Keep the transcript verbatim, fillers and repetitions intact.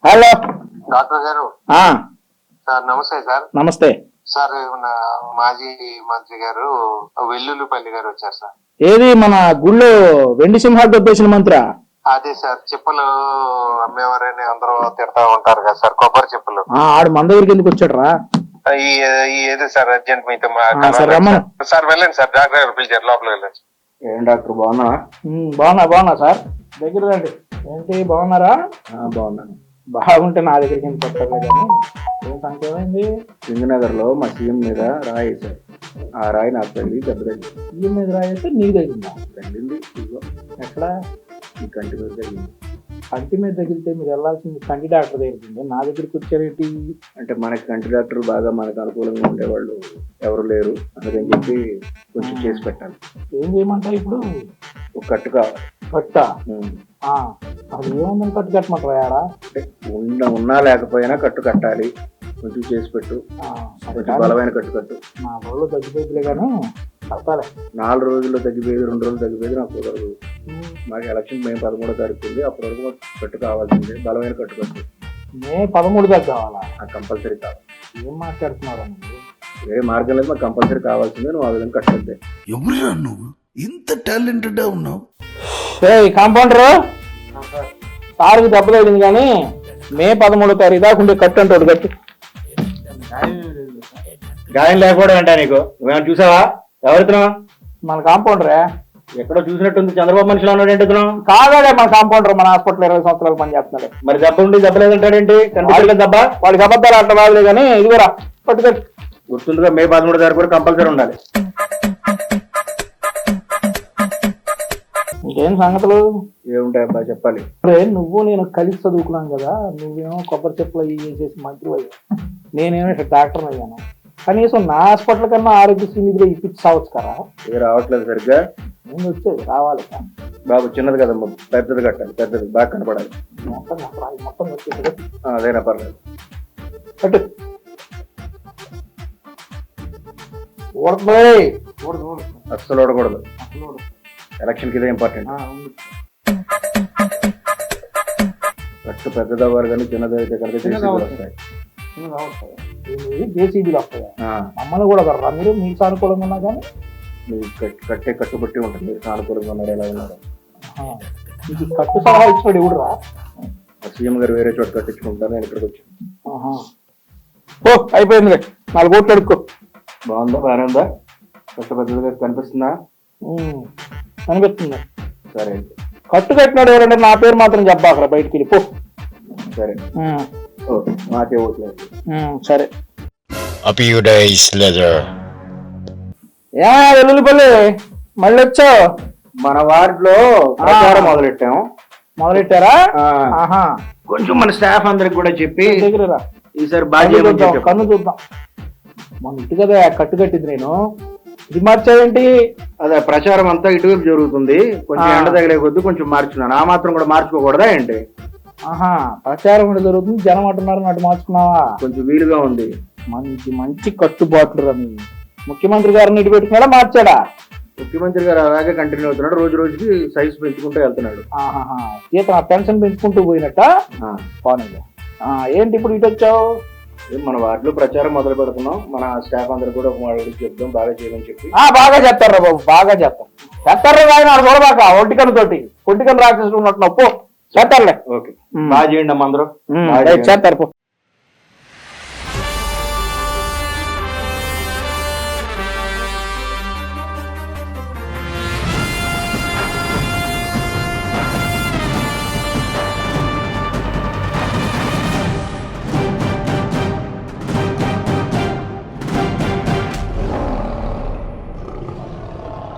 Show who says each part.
Speaker 1: Hello
Speaker 2: doctor గారు.
Speaker 1: ఆ
Speaker 2: sir నమస్తే సార్.
Speaker 1: నమస్తే
Speaker 2: సార్ మన మాజీ మంత్రి గారు వెల్లుల్లిపల్లి గారు వచ్చారు సార్.
Speaker 1: ఏది మన గుళ్ళో వెండి సింహాలు దొబ్బేసిన మంత్రా?
Speaker 2: అదే సార్, చెప్పులు అమ్మేవారని అందరూ తిడతా ఉంటారు కదా సార్, కొబ్బరి చెప్పులు.
Speaker 1: ఆడు మన దగ్గరికి ఎందుకు వచ్చాడు రా?
Speaker 2: ఈ ఏది సార్ అర్జెంట్ మీతో
Speaker 1: సార్ రమ్మను.
Speaker 2: సార్ వెళ్ళండి సార్, డాక్టర్ గారు పిలిచారు, లోపలికి వెళ్ళండి.
Speaker 1: ఏం డాక్టర్ బాగున్నా? బాగున్నా బాగున్నా సార్, దగ్గర రండి. ఏంటి బాగున్నారా? బాగున్నాను. బాగుంటే నా దగ్గరికి ఎందుకు వస్తారు కానీ ఏం సంఖ్య ఏమైంది? సింగనగర్ లో మా సీఎం మీద రాయి వేశారు. ఆ రాయి నాకు తల్లి దెబ్బ తగ్గింది. సీఎం మీద రాయి వేస్తే నీకు తగ్గిందా? తగ్గింది. ఇదిగో ఎక్కడ? ఈ కంటి మీద తగ్గింది. కంటి మీద తగిలితే మీరు వెళ్ళాల్సింది కంటి డాక్టర్ దగ్గరికి, నా దగ్గరికి వచ్చారేంటి? అంటే మనకి కంటి డాక్టర్ బాగా మనకు అనుకూలంగా ఉండేవాళ్ళు ఎవరు లేరు, అందుకని చెప్పి కొంచెం చేసి పెట్టాలి. ఏం చేయమంటారు ఇప్పుడు? ఒక కట్టు కావాలి. కట్ట? అది ఏముందని కట్టు కట్టమంటారా? అంటే ఉన్న ఉన్నా లేకపోయినా కట్టు కట్టాలి, కొంచెం చేసి పెట్టు. కొంచెం బలమైన కట్టు కట్టు. నా రోజులు తగ్గిపోయిందిలే కానీ కట్టాలి. నాలుగు రోజుల్లో తగ్గిపోయేది, రెండు రోజులు తగ్గిపోయేది నాకు కుదరదు. మాకు ఎలక్షన్ మే పదమూడో తారీఖు ఉంది, అప్పటి వరకు మాకు కట్టు కావాల్సిందే, బలమైన కట్టు కట్టు. మే పదమూడు దాకా కావాలా? కంపల్సరీ కావాలి. ఏం మాట్లాడుతున్నారా? వేరే మార్గం లేదు, మాకు కంపల్సరీ కావాల్సిందే. నువ్వు ఆ విధంగా కట్టద్దే.
Speaker 3: ఎవరురా నువ్వు ఇంత టాలెంటెడ్ ఉన్నావు?
Speaker 1: కాంపౌండర్ సార్కి దెబ్బ తగిలింది కానీ మే పదమూడో తారీఖు దాకా ఉండే కట్టు అంటాడు. కట్టు గాయం లేకపోవడం అంటా నీకు? నువ్వేమైనా చూసావా? ఎవరితున్నావు? మన కాంపౌండరే. ఎక్కడో చూసినట్టుంది, చంద్రబాబు మనిషిలో ఉన్నాడు ఏంటి? కాదాడే మన కాంపౌండర్, మన హాస్పిటల్ ఇరవై సంవత్సరాలు పని చేస్తున్నాడు. మరి దెబ్బ ఉండి దెబ్బ లేదంటాడేంటి? కనిపించలేదు దెబ్బ. వాడికి అబద్ధాలు అట్లా బాగలే కానీ ఇదిగోరా పట్టుకట్టు. గుర్తుందిగా, మే పదమూడు తారీఖు కూడా కంపల్సరీ ఉండాలి. ఇంకేం సంగతులు? ఏముంటాయి అబ్బా చెప్పాలి. నువ్వు నేను కలిసి చదువుకున్నాం కదా, నువ్వేమో కొబ్బరి చెప్పులు అవి చేసి మంత్రి అయ్యా, నేనేమో ఇక్కడ డాక్టర్ అయ్యాను. కనీసం నా హాస్పిటల్ కన్నా ఆరోగ్యశ్రీ నిధిలో ఇప్పించి సావచ్చు కదా. ఏ రావట్లేదు సరిగ్గా. నేను వచ్చేది రావాలి బాబు, చిన్నది కదమ్మా, పెద్దది కట్టాలి, పెద్దది బాగా కనపడాలి. మొత్తం మొత్తం వచ్చేది అదేనా పర్లేదు. కట్టు. అస్సలు ఓడకూడదు, ఎలక్షన్ కి ఇదే ఇంపార్టెంట్. కట్టు పెద్దది అవ్వాలి కానీ చిన్నది అయితే కనుక వస్తాయి, జేసీబీలు వస్తాయి. మమ్మల్ని కూడా కర్రా మీరు, మీకు సానుకూలంగా ఉన్నా కానీ మీరు కట్టే కట్టుబట్టి ఉంటుంది. మీరు సానుకూలంగా ఉన్నారు, ఎలా ఉన్నారు? మీకు కట్టు సలహా ఇచ్చినాడు ఎవడు రా? సీఎం గారు వేరే చోట కట్టించుకుంటారు, నేను ఇక్కడికి వచ్చాను. ఓ అయిపోయింది, నాలుగు కోట్లు అడుక్కో. బాగుందా? బాగానే ఉందా? కట్టు పెద్దదిగా కనిపిస్తుందా? అనిపిస్తుంది. సరే, కట్టు కట్టినాడు ఎవరంటే నా పేరు మాత్రం చెప్పా అక్కడ బయటికి వెళ్ళిపో. సరే మాకే ఓట్లేదు. సరే ఏ వెల్లుల్లిపల్లి మళ్ళీ వచ్చావు? మన వార్డులో ప్రచారం మొదలెట్టాము. మొదలెట్టారా? కొంచెం మన స్టాఫ్ అందరికి కూడా చెప్పి దగ్గర ఈసారి బాగా కన్ను చూద్దాం. మన ఇటు కదా కట్టు కట్టింది, నేను ఇది మార్చావేంటి? అదే ప్రచారం అంతా ఇటువైపు జరుగుతుంది, కొంచెం ఎండ తగిలే కొద్ది కొంచెం మార్చుకున్నాను. ఆ మాత్రం కూడా మార్చుకోకూడదా ఏంటి? ఆహా, ప్రచారం కూడా జరుగుతుంది, జనం అంటున్నారు, అటు మార్చుకున్నావా? కొంచెం వీలుగా ఉంది. మంచి మంచి కట్టుబాట్లు రని ముఖ్యమంత్రి గారిని ఇటు పెట్టుకున్నాడా మార్చాడా? ముఖ్యమంత్రి గారు అలాగే కంటిన్యూ అవుతున్నాడు, రోజు రోజుకి సైజు పెంచుకుంటూ వెళ్తున్నాడు. ఆహా, జీతం పెన్షన్ పెంచుకుంటూ పోయినట్ట. బాగుంది. ఏంటి ఇప్పుడు ఇటు వచ్చావు? మన వార్డులో ప్రచారం మొదలు పెడుతున్నాం, మన స్టాఫ్ అందరూ కూడా చెప్తాం, బాగా చేయమని చెప్పి. బాగా చెప్తారా బాబు, బాగా చెప్తాం. చెప్తారు ఆయన చూడబాక ఒంటికన్ను తోటి ఒంటికన్ను రాక్షసులు ఉన్నట్టు నప్పు చేస్తారులే. ఓకే, బాగా చేయండి అమ్మ అందరూ. చేస్తారు.